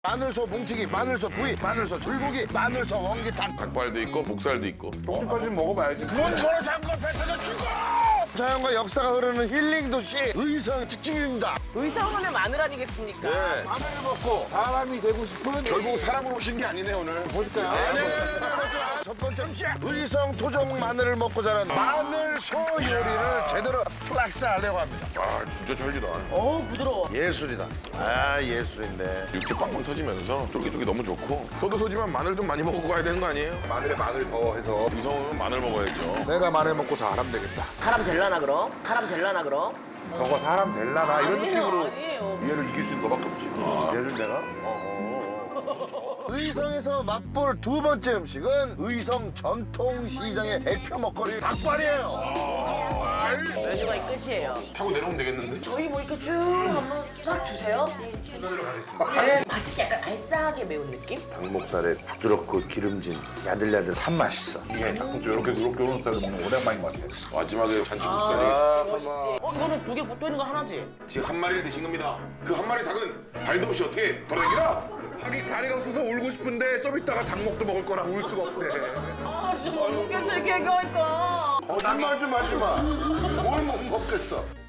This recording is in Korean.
마늘소 뭉튀기, 마늘소 부위, 마늘소 줄고기, 마늘소 원기탕. 닭발도 있고 목살도 있고. 쪽지까지 먹어봐야지. 문 걸어 잠궈 뱉어져 죽어! 자연과 역사가 흐르는 힐링 도시 의성 직집입니다. 의성하면 마늘 아니겠습니까? 네. 마늘을 먹고 사람이 되고 싶은 결국 사람으로 오신 게 아니네 오늘. 보실까요? 첫 번째 음식 의성 토종 마늘을 먹고 자란 마늘소 요리를 제대로 플렉스하려고 합니다. 아 진짜 찰지다. 어우 부드러워. 예술이다. 아 예술인데. 육즙 빵빵 터지면서 쫄깃쫄깃 너무 좋고. 소도 소지만 마늘 좀 많이 먹고 가야 되는 거 아니에요? 마늘에 마늘 더 해서 이성은 마늘 먹어야죠. 내가 마늘 먹고 사람 되겠다. 사람 될라나 그럼? 사람 될라나 그럼? 저거 사람 될라나 이런 아니에요, 느낌으로 아니에요. 얘를 이길 수 있는 너밖에 없지. 얘를 내가? 의성에서 맛볼 두 번째 음식은 의성 전통시장의 대표 먹거리 닭발이에요. 메뉴가 끝이에요. 타고 내려오면 되겠는데? 저희 뭐 이렇게 쭉 한번 쫙 주세요. 순서대로 가겠습니다. 네, 맛있게 약간 알싸하게 매운 느낌? 닭목살에 부드럽고 기름진 야들야들 산맛이 있어. 이게 닭꼬치 이렇게 노릇노릇 스타일로 먹는 거 오랜만인 것 같아요. 마지막에 잔치국까지. 멋있지. 이거는 두 개 붙어 있는 거 하나지? 지금 한 마리를 드신 겁니다. 그 한 마리 닭은 발도 없이 어떻게 돌아다니라? 닭이 다리가 없어서 울고 싶은데 좀 이따가 닭목도 먹을 거라 울 수가 없대. 아, 진짜 못 먹겠어, 이렇게 얘기하니까. 거짓말 좀 하지 마. 뭘 못 먹겠어.